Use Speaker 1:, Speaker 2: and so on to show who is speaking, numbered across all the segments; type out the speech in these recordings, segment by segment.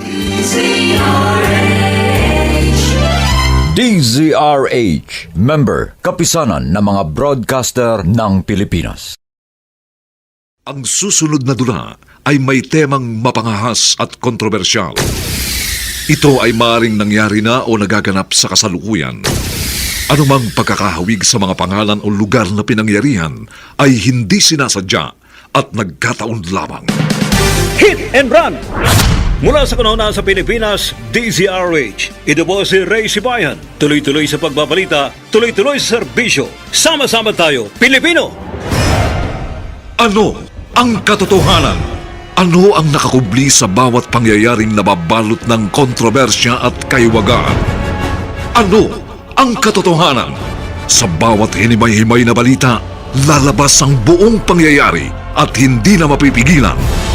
Speaker 1: DZRH, member, kapisanan ng mga broadcaster ng Pilipinas.
Speaker 2: Ang susunod na dula ay may temang mapangahas at kontrobersyal. Ito ay maaaring nangyari na o nagaganap sa kasalukuyan. Anumang pagkakahawig sa mga pangalan o lugar na pinangyarihan ay hindi sinasadya at nagkataon lamang.
Speaker 3: Hit and Run! Mula sa kanuna sa Pilipinas, DZRH. Ito po si Ray Sibayan. Tuloy-tuloy sa pagbabalita, tuloy-tuloy sa serbisyo. Sama-sama tayo, Pilipino!
Speaker 2: Ano ang katotohanan? Ano ang nakakubli sa bawat pangyayaring nababalot ng kontrobersya at kaiwagaan? Ano ang katotohanan? Sa bawat hinimay-himay na balita, lalabas ang buong pangyayari at hindi na mapipigilan.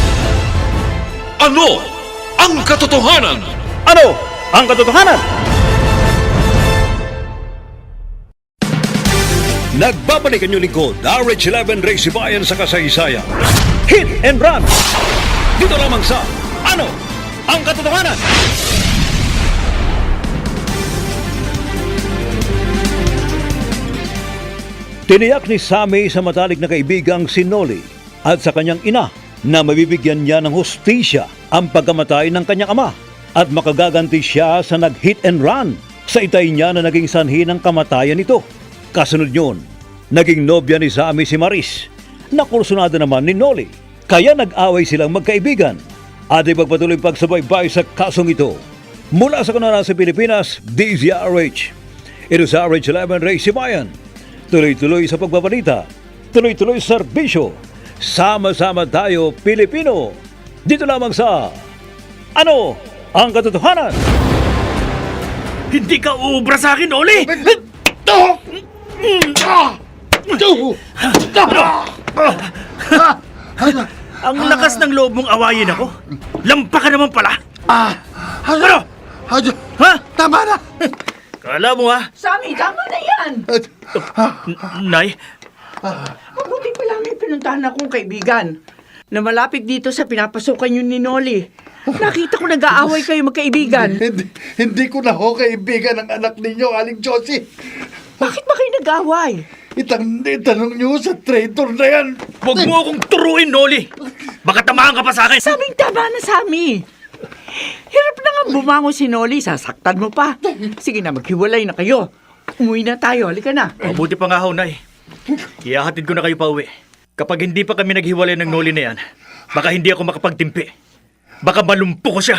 Speaker 2: Ano ang katotohanan?
Speaker 3: Ano ang katotohanan? Nagbabalik ang inyong lingkod, RH11 Ray Sibayan sa kasaysayan. Hit and Run! Dito lamang sa Ano ang katotohanan? Tiniyak ni Sammy sa matalik na kaibigang si Noli at sa kanyang ina na mabibigyan niya ng hustisya ang pagkamatay ng kanyang ama at makagaganti siya sa nag-hit and run sa itay niya na naging sanhi ng kamatayan nito. Kasunod yun, naging nobya ni Sammy si Maris na kursunada naman ni Noli. Kaya nag-away silang magkaibigan at ipagpatuloy pagsubaybay sa kasong ito. Mula sa kanana sa Pilipinas, DZRH. Ito sa RH11 Ray Sibayan. Tuloy-tuloy sa pagbabalita, tuloy-tuloy sa serbisyo. Sama-sama tayo, Pilipino. Dito lamang sa Ano ang katotohanan?
Speaker 4: Hindi ka uubra sa akin, Oli! Ang lakas ng loob mong awayin ako. Lampa ka naman pala. Ano? Ha?
Speaker 5: Tama na!
Speaker 4: Kala mo ha?
Speaker 6: Sammy, tama na yan!
Speaker 4: Nay,
Speaker 6: Mabuti pala may pinuntahan akong kaibigan na malapit dito sa pinapasukan yun ni Noli. Nakita ko nag-aaway kayo magkaibigan.
Speaker 5: Hindi ko na ho kaibigan ang anak ninyo, Aling Josie.
Speaker 6: Bakit ba kayo nag-aaway?
Speaker 5: Itanong niyo sa traitor na yan.
Speaker 4: huwag mo akong turuin, Noli. Baka tamaan ka pa sa akin.
Speaker 6: Saming tama na, Sammy. Hirap na nga bumangon si Noli, sasaktan mo pa. Sige na, maghiwalay na kayo. Umuwi na tayo, halika na.
Speaker 4: Mabuti pa nga ho, Nay. Iyahatid ko na kayo pa uwi. Kapag hindi pa kami naghiwalay ng Noli na yan, baka hindi ako makapagtimpi. Baka malumpo ko siya.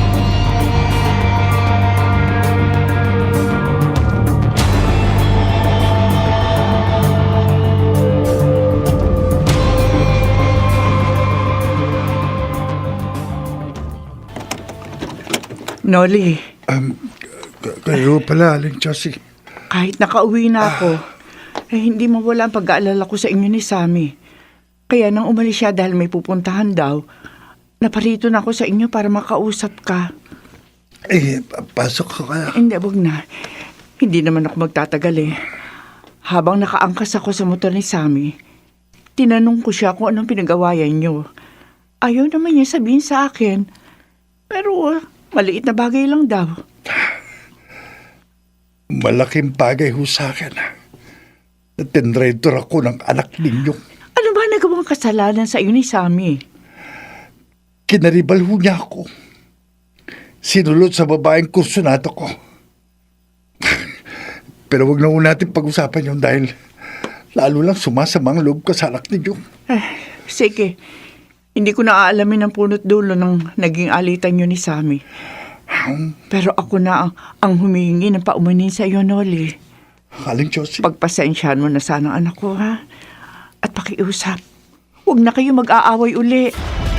Speaker 6: Noli,
Speaker 5: Kayo pala, Aling Josie.
Speaker 6: kahit nakauwi na ako, hindi mawala ang pag-aalala ko sa inyo ni Sammy. Kaya nang umalis siya dahil may pupuntahan daw, naparito na ako sa inyo para makausap ka.
Speaker 5: Pasok ko kaya.
Speaker 6: Hindi, wag na. Hindi naman ako magtatagal eh. Habang nakaangkas ako sa motor ni Sammy, tinanong ko siya kung anong pinag-awayan niyo. Ayaw naman niya sabihin sa akin. Pero maliit na bagay lang daw.
Speaker 5: Malaking bagay ho sa akin. Tinraitor ako ng anak ninyo.
Speaker 6: Ano ba nagawang kasalanan sa iyo ni Sammy?
Speaker 5: Kinaribal ho niya ako. Sinulot sa babaeng kursunado ko. Pero wag na ho natin pag-usapan yun dahil lalo lang sumasamang loob ko sa anak ninyo.
Speaker 6: Sige. Hindi ko na aalamin ang punot dulo ng naging alitan niyo ni Sammy. Pero ako na ang humihingi ng paumanin sa iyo, Noli.
Speaker 5: Aling Josie.
Speaker 6: Pagpasensyahan mo na sana ang anak ko, ha? At pakiusap. Huwag na kayo mag-aaway uli.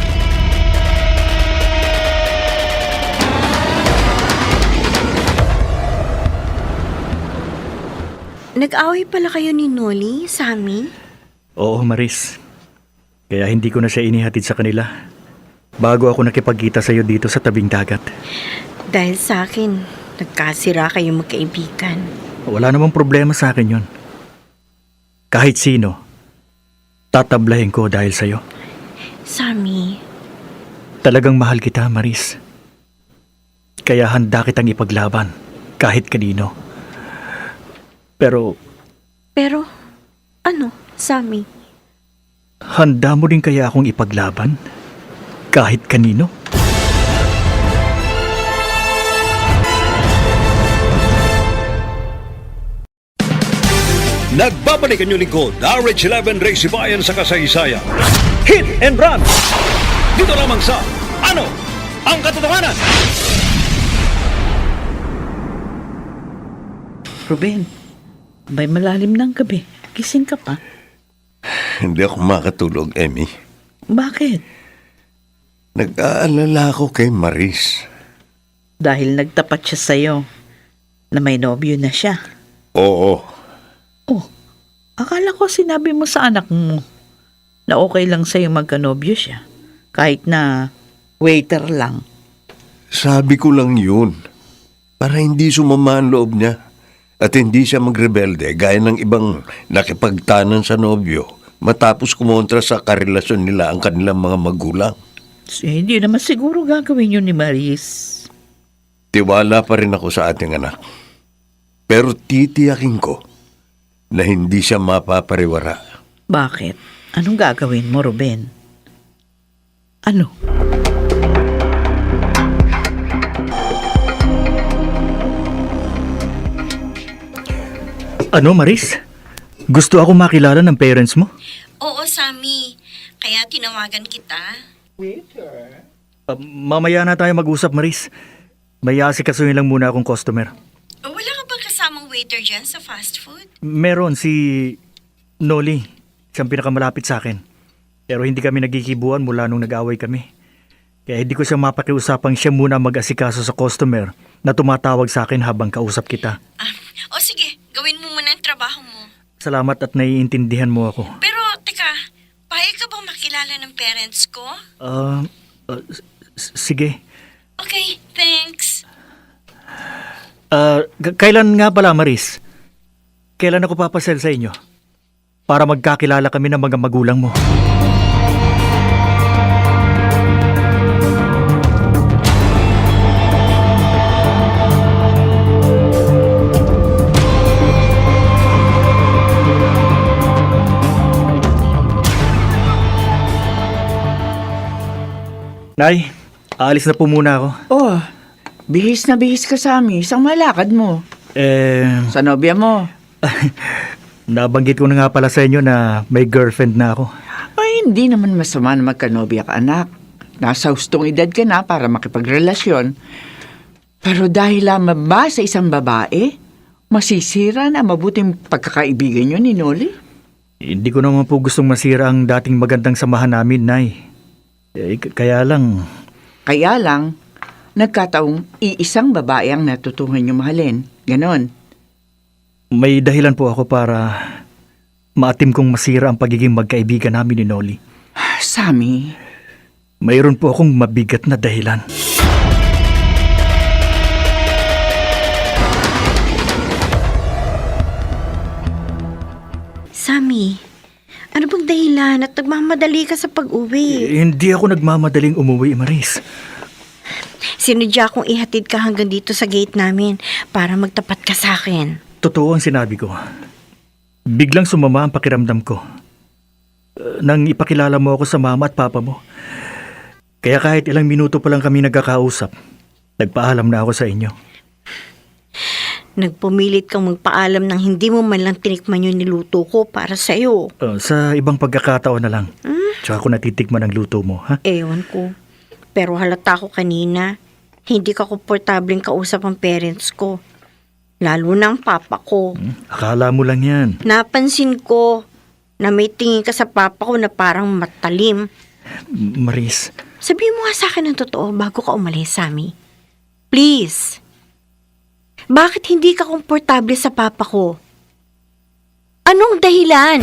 Speaker 7: Nag-away pala kayo ni Noli, Sammy?
Speaker 4: Oo, Maris. Kaya hindi ko na siya inihatid sa kanila. Bago ako nakipagkita sa iyo dito sa tabing dagat.
Speaker 7: Dahil sa akin, nagkasira kayo magkaibigan.
Speaker 4: Wala namang problema sa akin yun. Kahit sino, tatablahin ko dahil sa'yo.
Speaker 7: Sammy,
Speaker 4: Talagang mahal kita, Maris. Kaya handa kitang ipaglaban kahit kanino. Pero
Speaker 7: Pero, ano, Sammy?
Speaker 4: handa mo rin kaya akong ipaglaban kahit kanino?
Speaker 3: Nagbabalik ang inyong lingkod, RH11 Race Bayan sa kasaysayan. Hit and Run! Dito lamang sa Ano ang Katotohanan?
Speaker 6: Ruben, may malalim ng gabi. Gising ka pa.
Speaker 8: Hindi ako makatulog, Emmy.
Speaker 6: Bakit?
Speaker 8: Nag-aalala ako kay Maris.
Speaker 6: Dahil nagtapat siya sa'yo na may nobyo na siya.
Speaker 8: Oo,
Speaker 6: Oh, akala ko sinabi mo sa anak mo na okay lang sa'yo magkanobyo siya. Kahit na waiter lang.
Speaker 8: sabi ko lang yun. Para hindi sumama ang loob niya. At hindi siya magrebelde gaya ng ibang nakipagtanan sa nobyo matapos kumontra sa karelasyon nila ang kanilang mga magulang.
Speaker 6: Hindi naman siguro gagawin yun ni Maris.
Speaker 8: Tiwala pa rin ako sa ating anak. Pero titiyakin ko na hindi siya mapapariwara.
Speaker 6: Bakit? Anong gagawin mo, Ruben? Ano?
Speaker 4: Ano, Maris? Gusto ako makilala ng parents mo?
Speaker 7: Oo, Sammy. Kaya tinawagan kita.
Speaker 4: Mamaya na tayo mag-usap, Maris. May asikasuhin lang muna akong customer.
Speaker 7: Wala ka bang kasamang waiter dyan sa fast food?
Speaker 4: Meron si Noli, siyang pinakamalapit sa akin. Pero hindi kami nagkikibuan mula nung nag-away kami. Kaya hindi ko siya mapakiusapang siya muna mag-asikaso sa customer na tumatawag sa akin habang kausap kita.
Speaker 7: O sige, gawin mo muna ang trabaho mo.
Speaker 4: Salamat at naiintindihan mo ako.
Speaker 7: Pero, teka, payag ka bang makilala ng parents ko?
Speaker 4: Sige.
Speaker 7: Okay, thanks.
Speaker 4: Kailan nga pala, Maris? Kailan ako papasel sa inyo? Para magkakilala kami ng mga magulang mo. Nay, aalis na po muna ako.
Speaker 6: Oh, bihis na bihis ka sa amin. Isang malakad mo. Sa nobya mo.
Speaker 4: Nabanggit ko na nga pala sa inyo na may girlfriend na ako.
Speaker 6: Ay, hindi naman masama na magkanobya ka, anak. Nasa hustong edad ka na para makipagrelasyon. Pero dahil lamang ba sa isang babae, masisira na mabuting pagkakaibigan nyo ni Noli?
Speaker 4: Hindi ko naman po gustong masira ang dating magandang samahan namin, Nay. Kaya lang,
Speaker 6: Kaya lang, nagkataong iisang babae ang natutuhan nyo mahalin. Ganon.
Speaker 4: may dahilan po ako para maatim kong masira ang pagiging magkaibigan namin ni Noli.
Speaker 6: Sammy,
Speaker 4: Mayroon po akong mabigat na dahilan.
Speaker 7: Sammy, ano bang dahilan at nagmamadali ka sa pag-uwi?
Speaker 4: Hindi ako nagmamadaling umuwi, Maris.
Speaker 7: Sinadya kong ihatid ka hanggang dito sa gate namin para magtapat ka sa akin.
Speaker 4: Totoo ang sinabi ko. Biglang sumama ang pakiramdam ko. Nang ipakilala mo ako sa mama at papa mo. Kaya kahit ilang minuto pa lang kami nagkakausap, nagpaalam na ako sa inyo.
Speaker 7: Nagpumilit kang magpaalam nang hindi mo man lang tinikman yung niluto ko para sa'yo.
Speaker 4: Sa ibang pagkakataon na lang. Tsaka ko natitikman ang luto mo, ha?
Speaker 7: Ewan ko. Pero halata ko kanina, hindi ka komportableng kausap ang parents ko. Lalo na ang papa ko.
Speaker 4: Akala mo lang yan.
Speaker 7: Napansin ko na may tingin ka sa papa ko na parang matalim.
Speaker 4: Maris,
Speaker 7: Sabihin mo nga sa akin ng totoo bago ka umalis, Sammy. Please. Bakit hindi ka komportable sa papa ko? Anong dahilan?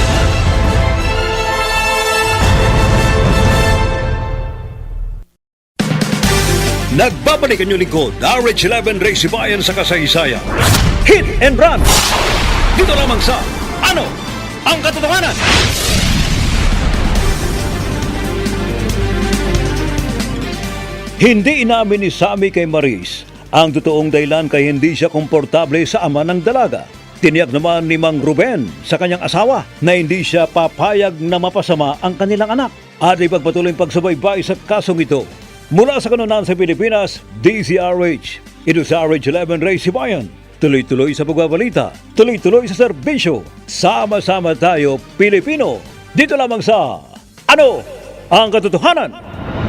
Speaker 3: Nagbabalik ang inyong lingkod, RH11 Race Bayan sa kasaysayan. Hit and Run! Dito lamang sa Ano ang Katotohanan? Hindi inamin ni Sammy kay Maris ang totoong dahilan kay hindi siya komportable sa ama ng dalaga. Tiniyak naman ni Mang Ruben sa kanyang asawa na hindi siya papayag na mapasama ang kanilang anak at ipagpatuloy ang pagsubaybay sa kasong ito. Mula sa kanunan sa Pilipinas, DZRH. Ito sa RH11 Ray Sibayan. Tuloy-tuloy sa pagbabalita, tuloy-tuloy sa serbisyo. Sama-sama tayo, Pilipino. Dito lamang sa Ano ang Katotohanan?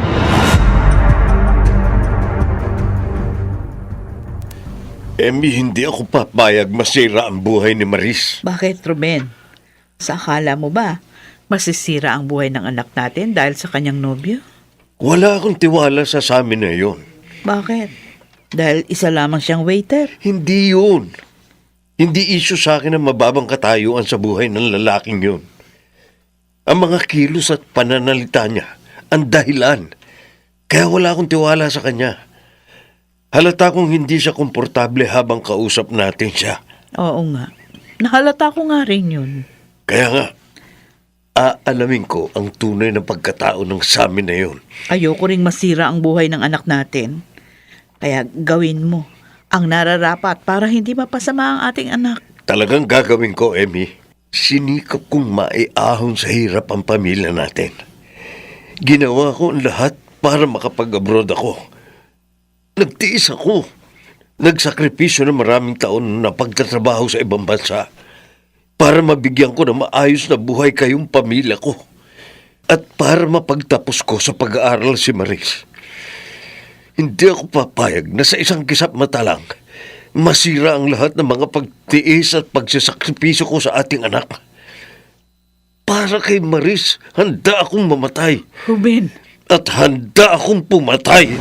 Speaker 8: Emmy, hindi ako papayag masira ang buhay ni Maris.
Speaker 6: Bakit, Ruben? Sa akala mo ba, masisira ang buhay ng anak natin dahil sa kanyang nobyo?
Speaker 8: Wala akong tiwala sa Sammy na yon.
Speaker 6: Bakit? Dahil isa lamang siyang waiter?
Speaker 8: Hindi yun. Hindi issue sa akin ang mababang katayuan sa buhay ng lalaking yun. Ang mga kilos at pananalita niya, ang dahilan. Kaya wala akong tiwala sa kanya. Halata kong hindi siya komportable habang kausap natin siya.
Speaker 6: Oo nga. Nahalata ko nga rin yun.
Speaker 8: Kaya nga, aalamin ko ang tunay na pagkatao ng Sammy na yun.
Speaker 6: Ayoko ring masira ang buhay ng anak natin. Kaya gawin mo ang nararapat para hindi mapasama ang ating anak.
Speaker 8: Talagang gagawin ko, Emmy. Sinikap kong maiahon sa hirap ang pamilya natin. Ginawa ko ang lahat para makapag-abroad ako. Nagtiis ako. Nagsakripisyo ng maraming taon na pagtatrabaho sa ibang bansa para mabigyan ko ng maayos na buhay kayong pamilya ko at para mapagtapos ko sa pag-aaral si Maris. Hindi ako papayag na sa isang kisap mata lang masira ang lahat ng mga pagtiis at pagsasakripisyo ko sa ating anak. Para kay Maris, handa akong mamatay.
Speaker 6: Ruben!
Speaker 8: At handa akong pumatay.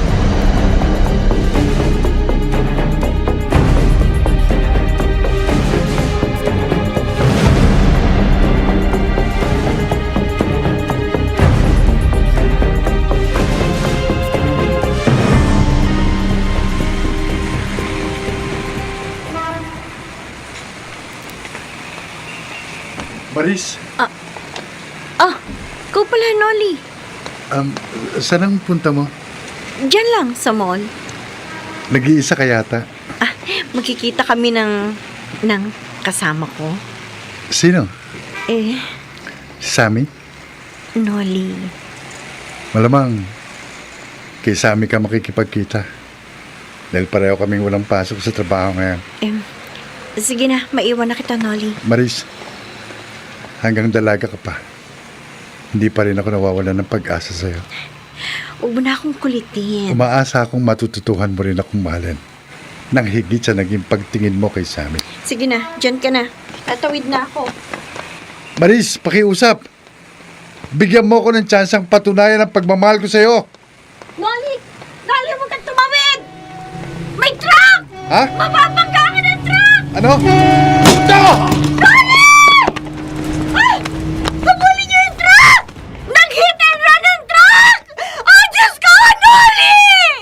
Speaker 5: Maris,
Speaker 7: Ikaw pala, Nolly.
Speaker 5: saan ang punta mo?
Speaker 7: Diyan lang, sa mall.
Speaker 5: Nag-iisa ka yata.
Speaker 7: Magkikita kami ng kasama ko.
Speaker 5: Sino?
Speaker 7: Eh,
Speaker 5: Si Sammy?
Speaker 7: Nolly.
Speaker 5: Malamang kay Sammy ka makikipagkita. Dahil pareho kaming walang pasok sa trabaho ngayon.
Speaker 7: Sige na, maiwan na kita, Nolly.
Speaker 5: Maris, hanggang dalaga ka pa. Hindi pa rin ako nawawalan ng pag-asa sa'yo.
Speaker 7: Huwag mo na akong kulitin.
Speaker 5: Umaasa akong matututuhan mo rin akong mahalin. Nang higit sa naging pagtingin mo kay Sammy.
Speaker 7: Sige na, dyan ka na. Tatawid na ako.
Speaker 5: Maris, pakiusap! Bigyan mo ako ng tsansang patunayan ang pagmamahal ko sa'yo.
Speaker 7: Nolly! Nolly, huwag kang tumawid! May truck!
Speaker 5: Ha?
Speaker 7: Mapapangga ka ng truck!
Speaker 5: Ano? Ito!
Speaker 7: Ay! Pabulin niyo yung truck! Nag-hit and run ang truck! Oh, Diyos ko! Nolly!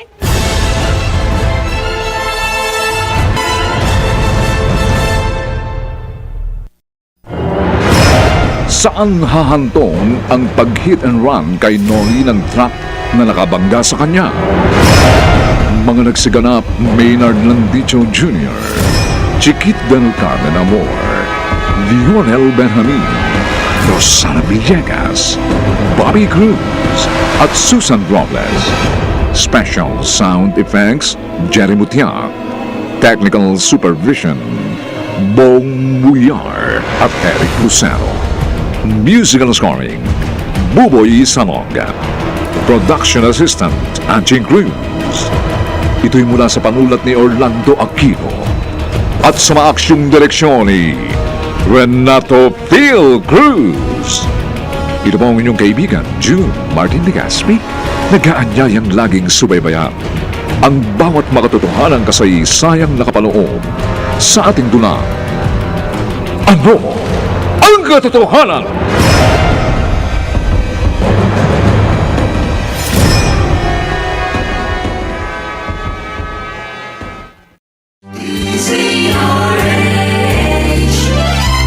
Speaker 2: Saan hahantong ang pag-hit and run kay Nolly ng truck na nakabangga sa kanya? Mga nagsiganap, Maynard Landicho Jr., Chiquit del Carmen Amor, Lionel Benjamin, Rosana Villegas, Bobby Cruz, at Susan Robles. Special Sound Effects, Jerry Mutiak. Technical Supervision, Bong Muyar at Eric Lucero. Musical scoring, Buboy Salonga. Production Assistant, Anching Cruz. Ito'y mula sa panulat ni Orlando Aquino at sa maaksyong direksyon ni Renato Phil Cruz. Ito po ang inyong kaibigan, June Martin de Gaspi, nag-aanyayang laging subaybayan ang bawat makatotohanan kasaysayang nakapaloob sa ating dulang. Ano ang katotohanan?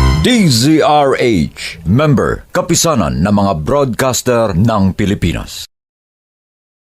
Speaker 1: DZRH, member, kapisanan ng mga broadcaster ng Pilipinas.